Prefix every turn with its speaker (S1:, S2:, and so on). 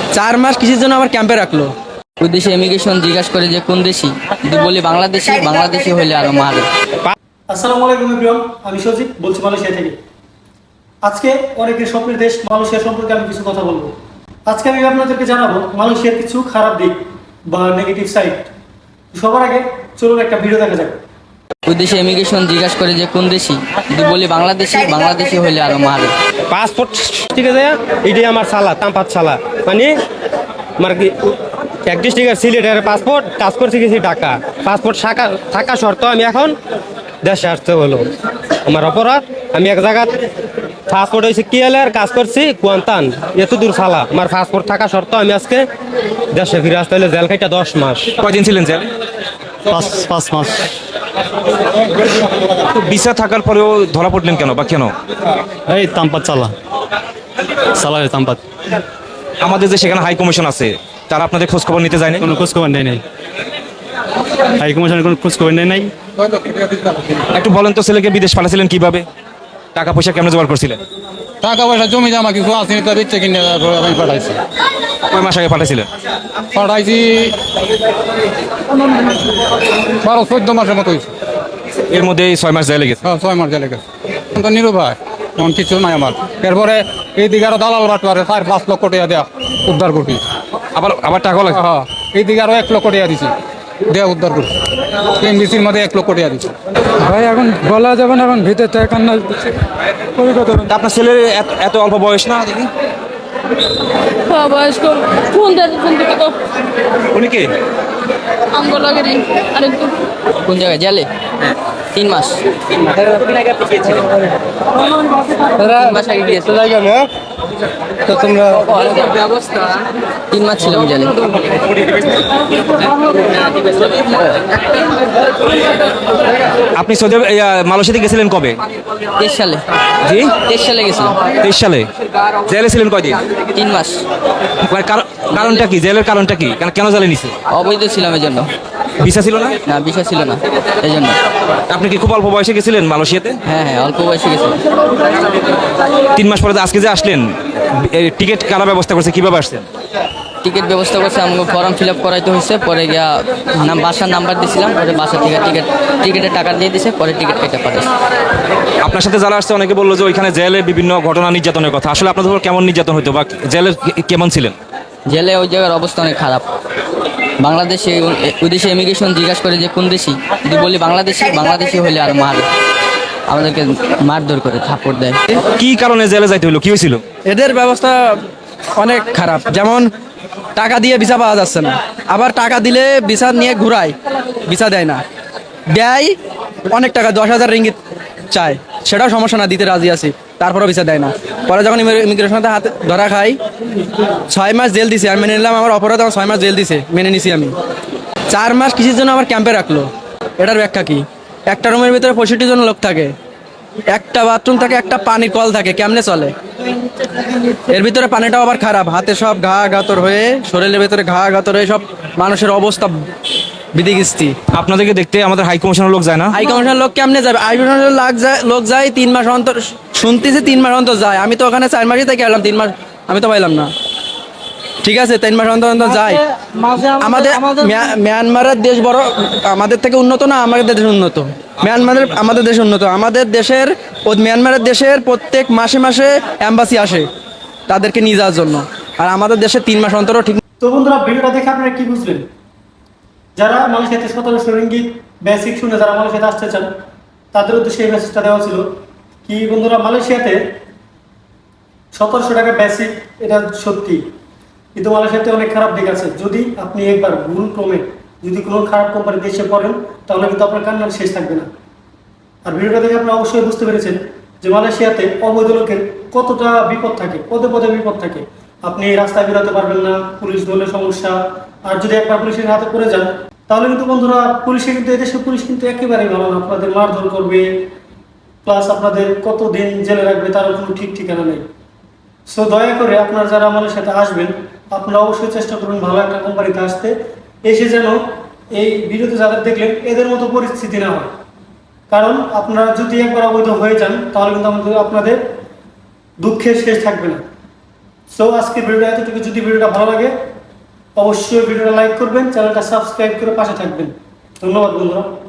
S1: 4 মাস কিসের জন্য আমার ক্যাম্পে রাখলো?
S2: ওই দেশে ইমিগ্রেশন জিজ্ঞাসা করে যে কোন দেশি, যদি বলি বাংলাদেশি, বাংলাদেশি হইলে আরো মারে।
S3: আসসালামু আলাইকুম এভরিওয়ান, আমি সজিব বলছি মালয়েশিয়া থেকে। আজকে অনেকের স্বপ্নের দেশ মালয়েশিয়া সম্পর্কে আমি কিছু কথা বলবো। আজকে আমি আপনাদেরকে জানাবো মালয়েশিয়ার কিছু খারাপ দিক বা নেগেটিভ সাইড। সবার আগে চলুন একটা ভিডিও দেখা যাক।
S2: ওই দেশে ইমিগ্রেশন জিজ্ঞাসা করে যে কোন দেশি, যদি বলি বাংলাদেশি, বাংলাদেশি হইলে আরো মারে।
S4: পাসপোর্ট ঠিক আছে, এটাই আমার সালা তামপাত সালা, মানে আমার কি এক ডিস্ট্রিক্টের সিলেটের পাসপোর্ট কাজ করছে গেছি ঢাকা। পাসপোর্ট থাকা শর্ত আমি এখন দেশে আসতে হলো, আমার অপরাধ। আমি এক জায়গায় পাসপোর্ট হয়েছে কিএলের কাজ করছি কুয়ান্তান, এত দূর সালা আমার পাসপোর্ট থাকা শর্ত আমি আজকে দেশে ফিরে আসতে হলে জেল খাইটা 10 মাস।
S5: কয়দিন ছিলেন জেল?
S4: 5 মাস।
S5: তো ভিসা থাকার পরেও ধরা পড়লেন কেন বা কেন?
S4: এই তামপাত সালা তামপাত।
S5: আমাদের যে সেখানে হাই কমিশন আছে, তারা আপনাদের খোঁজ খবর নিতে যায়নি?
S4: কোনো খোঁজখবর নেই নাই, হাই কমিশনের কোনো খোঁজখবর নেই নাই।
S5: একটু বলেন তো, ছেলেকে বিদেশ পাঠাছিলেন কিভাবে? টাকা পয়সা কেমন জোগাড় করছিলেন?
S6: টাকা পয়সা জমি জমা কিছু আসেনি, তার ইচ্ছে কিনে আমি পাঠাইছি।
S5: কয় মাস আগে পাঠাইছিলেন?
S6: 12-14 মাসের মতো হয়েছে।
S5: এর মধ্যে 6 মাস জেলে গেছে।
S6: 6 মাস জেলে গেছে। তো নিরুপায়, এমন কিছু নাই আমার। এরপরে এইদিকে আরো দালাল বাটপারে 4-5 লক্ষ টাকা দেয়া উদ্ধার করছি।
S5: আবার টাকাও লাগে?
S6: হ্যাঁ, এইদিকে আরো 1 লক্ষ টাকা দিছি, দেয়া উদ্ধার করছি। এমবিসির মধ্যে 1 লক্ষ টাকা দিছি।
S7: ভাই এখন বলা যাবে না, এখন ভিতরে থেকে কান্না
S5: তা আপনার ছেলের এত অল্প বয়স না দেখি?
S8: বয়স্ক ফোন থেকে তো
S5: উনি কে?
S8: আঙ্গ লাগে রে আরেকটু।
S2: কোন জায়গায় জেলে? 3 মাস। 3 মাস আগে গিয়েছিল।
S4: তো তোমরা
S2: 3 মাস ছিলাম জেলে।
S5: আপনি সৌদি মালয়েশিয়াতে গেছিলেন কবে?
S2: 23 সালে।
S5: জি,
S2: 23 সালে গেছিলাম।
S5: 23 সালে। জেলে ছিলেন কয়দিন?
S2: 3 মাস।
S5: মানে কারণটা কি? জেলের কারণটা কি? কেন জেলে নিছে?
S2: অবৈধ ছিলাম এই জন্য।
S5: ভিসা ছিল না?
S2: না, বিষয় ছিল না, এই জন্য।
S5: আপনি কি খুব অল্প বয়সে গেছিলেন মালয়েশিয়াতে?
S2: হ্যাঁ হ্যাঁ, অল্প বয়সে গেছিলাম।
S5: 3 মাস পরে আজকে যে আসলেন, টিকিট কারা ব্যবস্থা করছে, কিভাবে আসছেন?
S2: টিকিট ব্যবস্থা করছে, আমাকে ফর্ম ফিল আপ করাইতে হয়েছে। পরে গিয়া বাসার নাম্বার দিয়েছিলাম, পরে বাসা থেকে টিকিটের টাকা দিয়ে দিছে, পরে টিকিট কেটে পাঠাইছে।
S5: আপনার সাথে যারা আসছে অনেকে বললো যে ওইখানে জেলে বিভিন্ন ঘটনা নির্যাতনের কথা। আসলে আপনাদের উপর কেমন নির্যাতন হতো বা জেলে কেমন ছিলেন?
S2: জেলে ওই জায়গার অবস্থা অনেক খারাপ। বাংলাদেশে ওই দেশে ইমিগ্রেশন জিজ্ঞাসা করে যে কোন দেশি, যদি বলি বাংলাদেশি, বাংলাদেশি হইলে আর মারে, আমাদেরকে মারধর করে থাপ্পড় দেয়।
S5: কি কারণে জেলে যাইতে হলো? কি হয়েছিল?
S1: এদের ব্যবস্থা অনেক খারাপ। যেমন টাকা দিয়ে ভিসা পাওয়া যাচ্ছে না, আবার টাকা দিলে ভিসা নিয়ে ঘুরায়, ভিসা দেয় না। দেয় অনেক টাকা, 10,000 রিঙ্গিত চায়, সেটাও সমস্যা না, দিতে রাজি আছি, তারপরেও ভিসা দেয় না। পরে যখন ইমিগ্রেশনের হাতে ধরা খাই, 6 মাস জেল দিছে। আমি মেনে নিলাম আমার অপরাধ, আমার 6 মাস জেল দিছে, মেনে নিছি আমি। 4 মাস কিসের জন্য আমার ক্যাম্পে রাখলো? এটার ব্যাখ্যা কি? একটা রুমের ভিতরে 65 জন লোক থাকে, একটা বাথরুম থাকে, একটা পানির কল থাকে, কেমনে চলে? এর ভিতরে পানিটাও আবার খারাপ, হাতে সব ঘা গাতর হয়ে, শরীরের ভিতরে ঘা গাতর হয়ে সব মানুষের অবস্থা বিধিকিস্তি।
S5: আপনাদেরকে দেখতে আমাদের হাই কমিশনের লোক যায় না?
S1: হাই কমিশনের লোক কেমনে যাবে? হাই কমিশনের লোক যায় 3 মাস অন্তর, শুনতেছি 3 মাস অন্তর যায়। আমি তো ওখানে 4 মাসই থেকে এলাম, 3 মাস আমি তো পাইলাম না। ঠিক আছে, 3 মাস অন্তর অন্তর যায়। আমাদের মিয়ানমারের দেশ বড় আমাদের থেকে উন্নত না? আমাদের দেশ উন্নত। আমাদের দেশ উন্নত। আমাদের দেশের মিয়ানমারের দেশের প্রত্যেক মাসে মাসে অ্যাম্বাসি আসে তাদেরকে নিয়ে যাওয়ার জন্য, আর আমাদের দেশে 3 মাস অন্তরও ঠিক।
S3: তো বন্ধুরা, ভিডিওটা দেখে আপনারা কি বুঝলেন? যারা মালয়েশিয়াতে 1700 রিঙ্গিত বেসিক শুনে যারা মালয়েশিয়াতে আসতে চান, তাদের উদ্দেশ্যে এই মেসেজটা দেওয়া ছিল কি বন্ধুরা, মালয়েশিয়াতে 1700 টাকা বেসিক, এটা সত্যি, কিন্তু মালয়েশিয়াতে অনেক খারাপ দিক আছে। যদি আপনি একবার ভুল ক্রমে যদি কোনো খারাপ কোম্পানিতে এসে পড়েন, তাহলে কিন্তু আপনার কান্নার শেষ থাকবে না। আর ভিডিওটা দেখে আপনারা অবশ্যই বুঝতে পেরেছেন যে মালয়েশিয়াতে অবৈধ লোকের কতটা বিপদ থাকে, পদে পদে বিপদ থাকে। আপনি রাস্তায় বেরোতে পারবেন না, পুলিশ ধরলে সমস্যা। আর যদি একবার পুলিশের হাতে পড়ে যান, তাহলে কিন্তু বন্ধুরা পুলিশে কিন্তু এদেশের পুলিশ কিন্তু একেবারেই ভালো না, আপনাদের মারধর করবে, প্লাস আপনাদের কতদিন জেলে রাখবে তারও কোনো ঠিক ঠিকানা নেই। সো দয়া করে আপনারা যারা আমাদের সাথে আসবেন, আপনারা অবশ্যই চেষ্টা করবেন ভালো একটা কোম্পানিতে আসতে, এসে যেন এই ভিডিওতে যাদের দেখলেন এদের মতো পরিস্থিতি না হয়। কারণ আপনারা যদি একবার অবৈধ হয়ে যান, তাহলে কিন্তু আপনাদের দুঃখের শেষ থাকবে না। সো আজকে ভিডিওটা এতটুকু। যদি ভিডিওটা ভালো লাগে অবশ্যই ভিডিওটা লাইক করবেন, চ্যানেলটা সাবস্ক্রাইব করে পাশে থাকবেন। ধন্যবাদ বন্ধুরা।